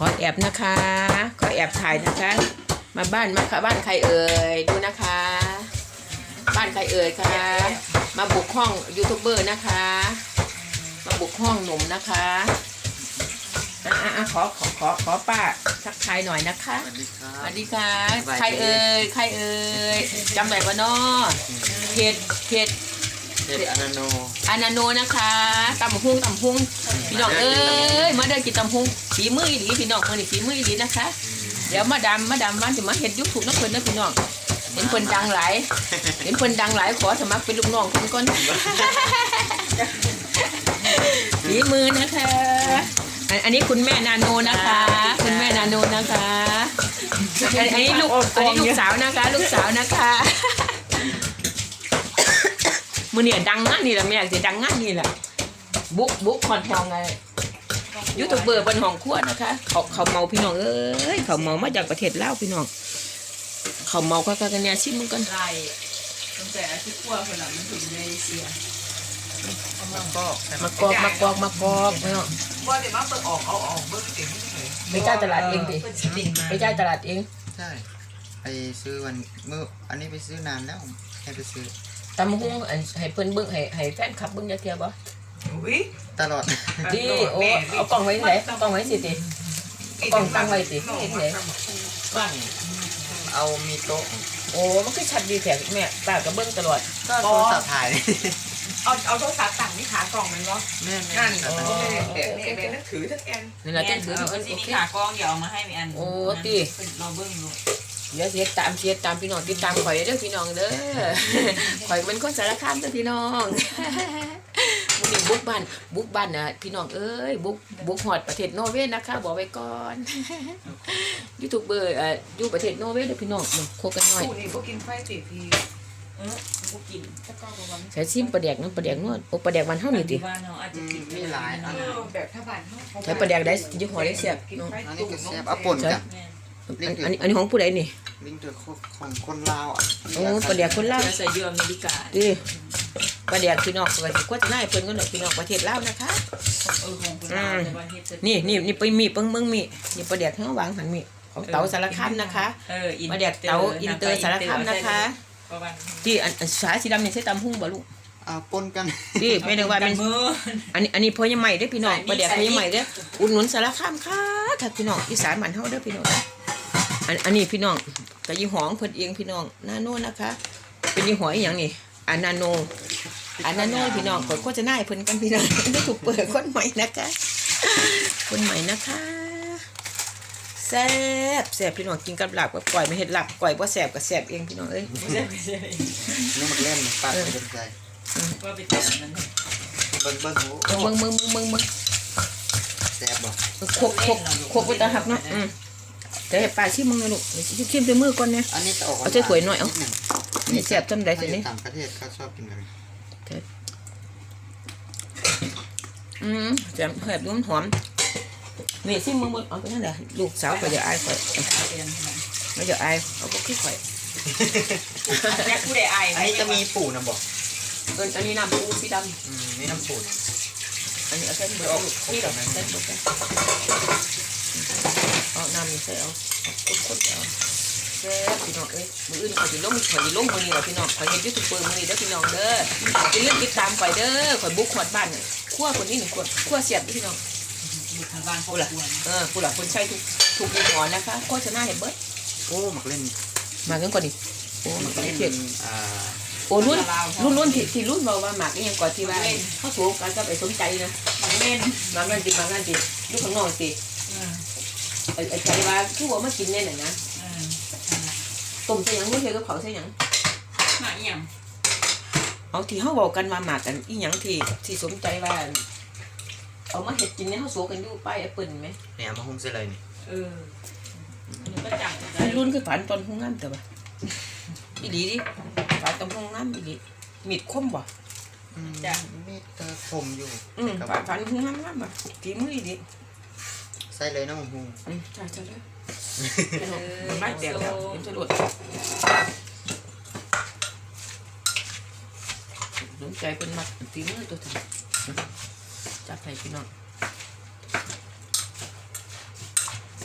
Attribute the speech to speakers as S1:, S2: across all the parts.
S1: อแอบนะคะขอแอบถ่ายนะคะมาบ้านมาค่ะบ้านใครเอ่ยดูนะคะ บ้านใครเอ่ยคะมาบุกห้องยูทูบเบอร์นะคะมาบุกห้องหนุ่มนะคะขอป้าทักทายหน่อยนะคะสวัสดีค่ะใครเอ่ยใครเอ่ยจำได้ปะเนาะเพจ
S2: อานาโน
S1: นะคะตำหุ้งพี่น้องเอ้ยมาเดินกินตำหุ้งฝีมืออีหลีพี่น้องคนนี้ฝีมืออีหลีนะคะเดี๋ยวมาดามวันจะมาเห็นยุคถูกนักเพิ่นนะพี่น้องเห็นคนดังหลายขอสมัครเป็นลูกน้องคนก่อนฝีมือนะคะอันนี้คุณแม่นาโนนะคะคุณแม่นาโนนะคะอันนี้ลูกสาวนะคะลูกสาวนะคะมือเนี่ยดังงั้นนี่แหละแม่จะดังงั้นนี่แหละบุ๊กคอนทองไงยูทูบเบอร์บนห้องครัวนะคะเขาเมาพี่น้องเอ้ยเขาเมามาจากประเทศลาวพี่น้องเขาเมากันเนี่ยชิมมึงกัน
S3: ไล่ตั้งแต่ที่ขั้วคนละมันถึงในเซีย
S1: มากอกไม่เอา
S3: ว่าเดี๋ยวมาเปิดออกเอาออกเบิ้งเก่งที่ไหน
S1: ไปจ่ายตลาดเองดิไปจ่ายตลาดเอง
S2: ใช่ไปซื้อวันเมื่ออันนี้ไปซื้อนานแล้วให้ไปซื้อ
S1: ตำหุ้งให้เพิ่นเบิ้งให้แฟนคลับเบิ้งจะเทียบบ่
S2: ตลอด
S1: ดิโอ้เอากล่องไว้ไหนกล่องไว้สิติกล่องตั้งไว้สิเห็นไหน
S2: บ้างเอามีโต๊ะ
S1: โอ้มันคือชัดดีแท้แม่ป้าก็เบิ้งตลอด
S2: ก็โทรศัพท์ถ่าย
S3: เอาโทรศัพท์ตั้งนี่ขากล่องมันวะ
S2: นั่น
S3: เด็กนั่นถือทั้งแอน
S1: นี่แหละถือ
S3: นี่ขากล้องเดี๋ยวเอามาให้มีอัน
S1: โอ้ตี
S3: เราเบิ้งดู
S1: เดี๋ยวเสียตามพี่น้องติดตามข่อยเด้อพี่น้องเด้อข่อยเป็นคนสารคามเด้อพี่น้องวันนี้บุกบ้านนะพี่น้องเอ้ยบุกฮอดประเทศนอร์เวย์นะคะบอกไว้ก่อนยูทูบเบอร์อยู่ประเทศนอร์เวย์เด้อพี่น้องโคกันหน่อย
S3: นี่พวกกินไฟติดทีพวกกิน
S1: ใส่ซิมปลาแดกนั่นปลาแดกนวดโอ้ปลาแดกมันเท่านี้ติ
S2: มีหลาย
S3: แบบถ้าบ้าน
S1: ใช้ปลาแดกได้ยี่ห้อได้เสียบ
S2: อันนี้ก็เสียบเอาป่นกัน
S1: อันนี้ของผู้ใดนี่
S2: ลิงเดือของคนลาว
S1: โอ้ปลาแดกคนลาว
S3: ใส่เยื่ออเมริกา
S1: ดิปลาแดกพี่น้องก็จะน่าเพิ่นก็หน่อยพี่น้องประเทศลาวนะคะนี่ไปมีเปิ้งเมืองมีนี่ปลาแดกทั้งวางหันมีของเต๋าสารคามนะคะปลาแดกเต๋าอินเตอร์สารคามนะคะที่อันสายสีดำนี่ใช้ตำหุ้งบ่ลูก
S2: ปนกัน
S1: ที่ไม่ได้ว่าเป็นอันนี้พ่อยังใหม่ได้พี่น้องปลาแดกพ่อยังใหม่ได้อุดหนุนสารคามค่ะถ้าพี่น้องอีสานมันเฮาเด้อพี่น้องอันนี้พี่น้องกับยี่ห้อเพิ่นเองพี่น้องนาโนนะคะเป็นยี่ห้ออีหยังนี่อานาโนพี่น้องกดจะน่าให้เพิ่นกันพี่น้องได้ถูกเปิดคนใหม่นะคะคนใหม่นะคะแซ่บพี่น้องกินกับหลับกับก่อยไม่เห็ดหลับก่อยบ่แซ่บกับแซ่บเองพี่น้องเอ้ย
S2: นี่มันเล่นปากเป็นใจ
S3: ว่าไปแต่นั้น
S2: เบิ้งแซ่บบ่
S1: โคกไปตาหักเนาะแต่ให้ป้าชิมมึงเลยลูกชิมด้วยมือก่อนเนี่ยเอาใส่ถ้วยหน่อยเอาแซ่บจนได้สินี่
S2: ต่างประเทศเขาชอบกินกัน
S1: แซ่บเผ็ดนุ่มหอมนี่ชิมมึงเอาไปนั่นแหละลูกสาวก็จะอายข่อยไม่จะอายเอาพวกขี้ข่อย
S3: แม่ผู้ใดอาย
S2: อันนี้จะมีปูนะบอก
S1: อันนี้น้ำปูสีด
S2: ำนี่น้ำปู
S1: อันนี้เอาเส้นเบอร์นี่หรอเส้นเบอร์เอาน้ำนี่ใส่เอาคนเอาแซ่บพี่น้องเอ้ยมืออื่นข่อยล้มมือนี่แหละพี่น้องข่อยเห็นยูทูบเบอร์มือนี่เด้อพี่น้องเด้อจะเลื่อนติดตามข่อยเด้อข่อยบุกขวดบ้านขั้วคนนี้หนึ่งขวดขั้วเสียบพี่น้อง
S3: ทางบ้านผู้หลัก
S1: ผู้หลักคนใช้ทุกยี่ห้อนะคะก็จะน่าเห็นเบิร์ด
S2: โอ้หมักเล่น
S1: มากันก่อนดิโอ้หมักเล่นโอ้รุ่นที่รุ่นบอกว่าหมักนี่ยังก่อนที่ว่าเขาสูงกันก็ไปสนใจนะ
S3: เล่น
S1: มากันติลูกข้างนอกติไอ้ใจว่าคือว่ามากินเนี่ยนะต้มใส่ยังไม่เคยก็เผาใส่ยัง
S3: หมักยัง
S1: เอาที่เขาบอกกันมาหมักกันอีหยังที่สนใจว่าเอามาเห็ดกินเนี่ยเขาสูงกันอยู่ป้ายแอปเปิลไหม
S2: เนี่ยมาหุ้มเสร็จเลยนี่
S3: ก็จัง
S1: รุ่นคือฝันตอนห้องน้ำแต่ว่าอีหลีดิฝันตอนห้องน้ำอีหลีมีดคมบ่
S2: จ้ะมีดคมอยู่
S1: ฝันห้องน้ำบ่ฝีมืออีหลี
S2: ใส่เลยนะมึงหุ้ม
S1: ใช่เลยไม่เดี๋ยวจะหลุดสนใจเป็นมัดฝีมือตัวทำจับใส่พี่น้อง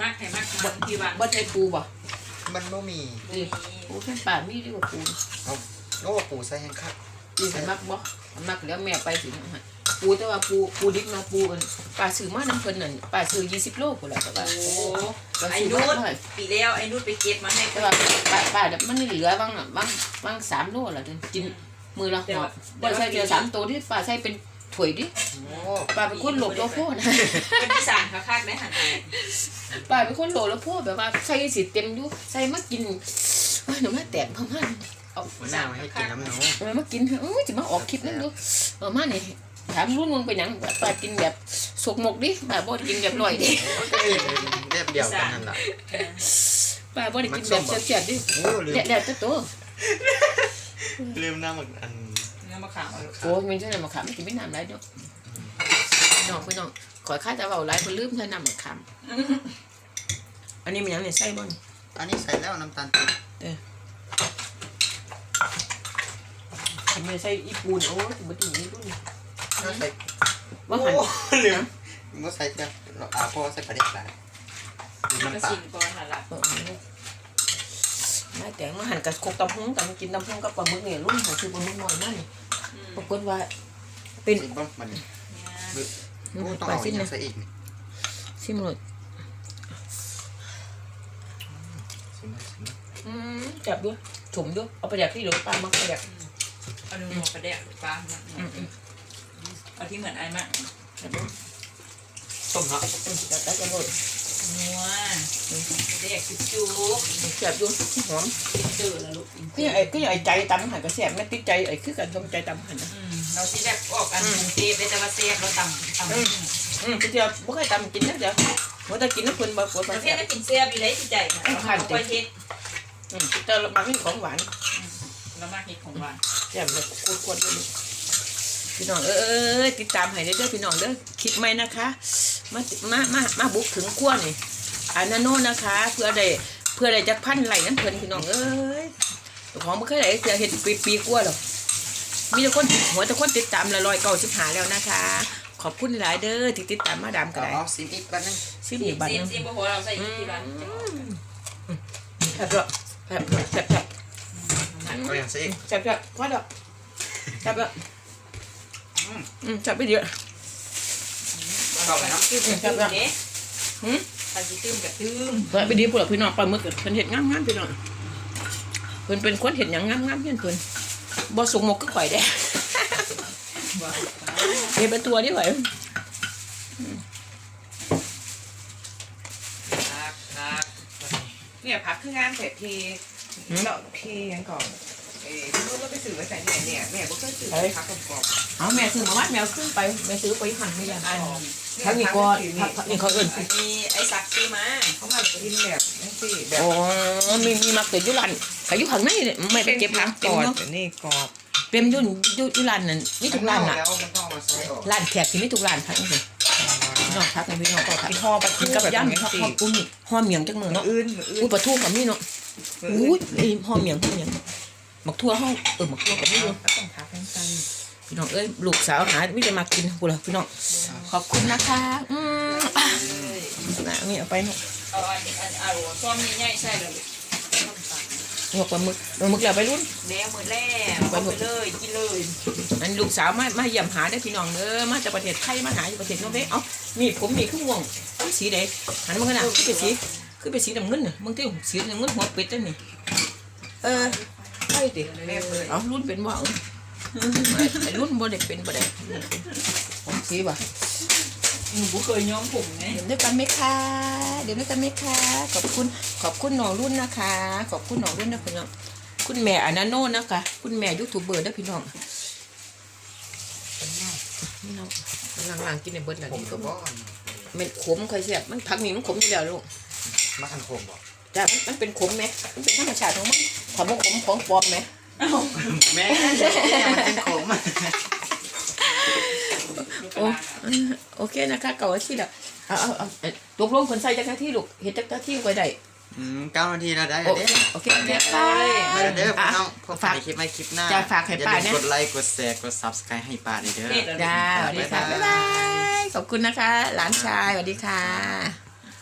S3: มักให้มักมันที่บ้าน
S1: บ่ใช่ปูบ่
S2: มันบ่มี
S1: ดิปูแค่ป่ามีดีกว่าปู
S2: เอาโอ้ปูใส่แห้งคัก
S1: ดิให้มักบ่มักแล้วแม่ไปสิให้ปูแต่ว่าปูดิบเนาะปูอันป้าซื้อมาน้ำเพิ่นนั่นป้าซื้อ20 โลพุ่นล่ะแต่ว่า
S3: โอ้
S1: ป้า
S3: ไอ้
S1: ซื้อ
S3: นุ
S1: มา
S3: ช
S1: เท่าไหร่
S3: ปีแล้วไอ้นุชไปเก็บมาให้
S1: แต่ว่าป้าเดี๋ยวมันเหลือบาง3 โลล่ะกินมือละหอบบ่ใส่เดียว3 ตัวที่ป้าใส่เป็นถ้วยดิ
S2: โอ้
S1: ป้าเป็นคนโลภโลโพนะ
S3: เป็นที่สั่งคักๆได้หันไป
S1: ป้าเป็นคนโลภโลโพแบบว่าใส่สิเต็มอยู่ใส่มากินหนูมาแตกพม่าเอา
S2: หัวหน้ามาให้กินน้ำหนู
S1: มากินจะมาออกคลิปนั่นดูมาเนี่ยถามรุ่นมึงไปยังป้ากินแบบสกมกดิป้าบ่กินแบบลอยดิ
S2: ก็เรียบเดียวกันนั่นแหละ
S1: ป้าบ่ได้กินแบบเสียดดิ
S2: โอ้ลืม
S1: แดดตัว
S2: ลืมน้ำอัน
S3: เนื้อมะขาม
S1: โอ้ยมันจะนำมาขามกินไม่น้ำไรเนาะน้องพี่น้องขอค่าจะเบาไรคนลืมใช้น้ำมาขามอันนี้มันยังเนี่ยใส่บ่
S2: อันนี้ใส่แล้วน้ำตาลปี๊บ
S1: ทำไมใส่อีปูนโอ้ยบ่ถึงนี่รุ่น
S2: ก็ใส่
S1: ว่าหัน
S2: ลืมว่าใส่จะพอใส่ปลาเด็กหลาย
S3: ก็
S2: น้ำปลา
S3: ชิมก่อนหั่นล่ะ
S1: ไม่แต่มาหันกับโคกตำพุงกันกินตำพุงกับปลาหมึกเนี่ยรุ่นหาซื้อปลาหมึกน้อยมากนี่ปรากฏว่าเป็น
S2: สิบ่มัน
S3: เนี่ย
S2: โอ้ต้องเอาอย่างใส่อีกนี่
S1: ซิมรส
S2: สิ
S1: จับด้วยถุ่มด้วยเอาไปแดกที่หลวงปลามักไปแดก
S3: เอาดูหมกกระเดะหรือปลาเอาที่เหมือนไอ้มาก
S2: ต้มเนาะ
S1: จับได้จังเลย
S3: นัวกระเดะจุ๊บ
S1: จับด้วยหอม
S3: ๆตื่นแล้วลูก
S1: ก็ยังไอ้ใจตำหันกระแสบไม่ติดใจไอ้คือกันทำใจตำหันนะ
S3: เราที่แรกออกกันกรุงเทพได้แต่ว่าเสียบเราต่ำ
S1: ก็เดียวบ่เคยตำกินนะเดี๋ยวว่าแต่กินน้ำคนบ่ปวด
S3: ป
S1: มา
S3: ระเท
S1: แซ่
S3: ศ
S1: บ
S3: ได้กินเสียบอยู่เลยที่ใจนะเราค่อยเฮ็ด
S1: แต่บางทีของหวาน
S3: เรามากเฮ็ดของหวาน
S1: แซ่บเลยขวดๆเลยพี่น้องติดตามให้เด้อพี่น้องเด้อคลิปใหม่นะคะมาบุกถึงขั้วนี่อานาโนนะคะเพื่อได้จักพันไหลนั่นเพิ่นพี่น้องของบ่เคยได้เสียเฮ็ดปีกว่าหรอกมีแต่คนหัวแต่คนติดตามละ195แล้วนะคะขอบคุณหลายเด้อที่ติดตามมาดามก็ได้
S2: เอาซิมอีกก่อนนึง
S1: ซิมอีกบัดนึง
S3: ซีมโอ้โหเราใส่ที่ร้าน
S1: แซ่บด้วยแซ่บ
S2: ก็ยังใส่อีก
S1: แซ่บพอดอกแซ่บแซ่บไปเยอะ
S2: ต่อไปเนาะ
S3: ตื้มกับตื้มเด้ถ้าสิตื้มกับตื้ม
S1: แซ่บไปดีพวกพี่น้องปลาหมึกเพิ่นเฮ็ดงามๆพี่น้องเพิ่นเป็นคนเฮ็ดหยังงามๆเพิ่นบ่สุกหมกก็ข่อยได้เฮ็ดเป็นตัวดิข่อย
S4: เนี่ยพักคืองานเสร็จทีเราทียังก่อนรู้ว่าไปสื่อไปใส่เนี่ยแม่ก็เคยสื่อพักกรอบ
S1: เอาแม่ซื้อมาวัดแมวขึ้นไปแม่ซื้อไปหั่นไม่ยัง
S3: อัน
S1: ทั้งนี้ก็นี่เขาเอิ้น
S3: มีไอ้ซักซื้อมา
S4: เขามากินแบบนั่นสิแบบ
S1: อ๋อมีมักแต่ยุรันแต่ยุข้างในไม่ไปเก็บผัก
S4: ก
S1: เต็
S4: ร
S1: ม
S4: อบ
S1: เนาะ
S4: นี่กรอบ
S1: เต็มยุรันนั่นมีทุกร้านน่ะ
S2: แล้วมันต้องมาใส่ออก
S1: ร้านแขกที่มีทุกร้านพักนี่สิพี่น้องพักนี่พี่น้องก็พัก
S4: ที่ห่อปลา
S1: กิ
S4: ทู
S1: นกับ
S4: แบบ
S1: ย่ำ
S4: นี้
S1: ข้าว
S4: สิ
S1: ปุ้นห่อเมียงจักมือ
S4: มือ
S1: เนาะ
S4: อื่น
S1: อุ้ยปลาทูกับมีเนาะอุ้ยห่อเมียงหมักทั่วห้องหมักทั่วกับมีอยู่
S4: ต้องพักทั้งกัน
S1: พี่น้องลูกสาวหาไม่ได้มากินกูละพี่น้องขอบคุณนะคะนะนี่เอาไปเนาะ
S3: เอาเอาซ้อมใหญ่ๆใส่เลย
S1: หัวปลาหมึกแล้วไปรุ่น
S3: แล้วมือแรกเอาไปเลยกินเลย
S1: อันลูกสาวมาเยี่ยมหาได้พี่น้องเด้อมาจากประเทศไทยมาหาอยู่ประเทศโนเวย์เอ้านี่ผมมีขึ้นวงสีใดหันมาขนาดคือเป็นสีน้ำเงินน่ะมึงที่สีน้ำเงินหัวเป็ดนี่ใช่ดิเอารุ่นเป็นว่าไอ้รุ่นบ่ได้เป็นบ่ได้ของสีบ่
S3: หนูเคยย้อมผมไง
S1: เดี๋ยวด้วยกันไหมคะขอบคุณน้องรุ่นนะคะ ขอบคุณน้องรุ่นนะพี่น้องคุณแม่อานาโน่นะคะคุณแม่ยูทูบเบอร์นะพี่น้องนี่น้องหลังๆกินในเบิร์ดแล้ว
S2: ผม
S1: นี่
S2: ก็
S1: ก็
S2: บ่
S1: มันขมเคยเสียบมันผักนี่มันขมอยู่แล้วลูก
S2: มาคันโคมบ่
S1: จ้ะมันเป็นขมไหมมันเป็นธรรมชาติของมันถามว่าขมของปลอมไหม
S2: แม่มันเป็นโคม
S1: โอเคนะคะเก่าที่ละเอาตกลงคนใส่จักรที่ลูกเห็นจักรที่ไว้ได้
S2: 9 นาทีแล้วได้
S1: โอเคไป
S2: มาเด้อพี่น้องพบกันในคลิปคลิปหน้า
S1: จะฝากให้ป้า
S2: อย่า
S1: เนี่ย
S2: ลืมกดไลค์กดแชร์กด Subscribe ให้ป้าด้วยเด้อ
S1: จ้าสวัสดีค่ะบ๊ายบายขอบคุณนะคะ หลานชายสวัสดีค่ะ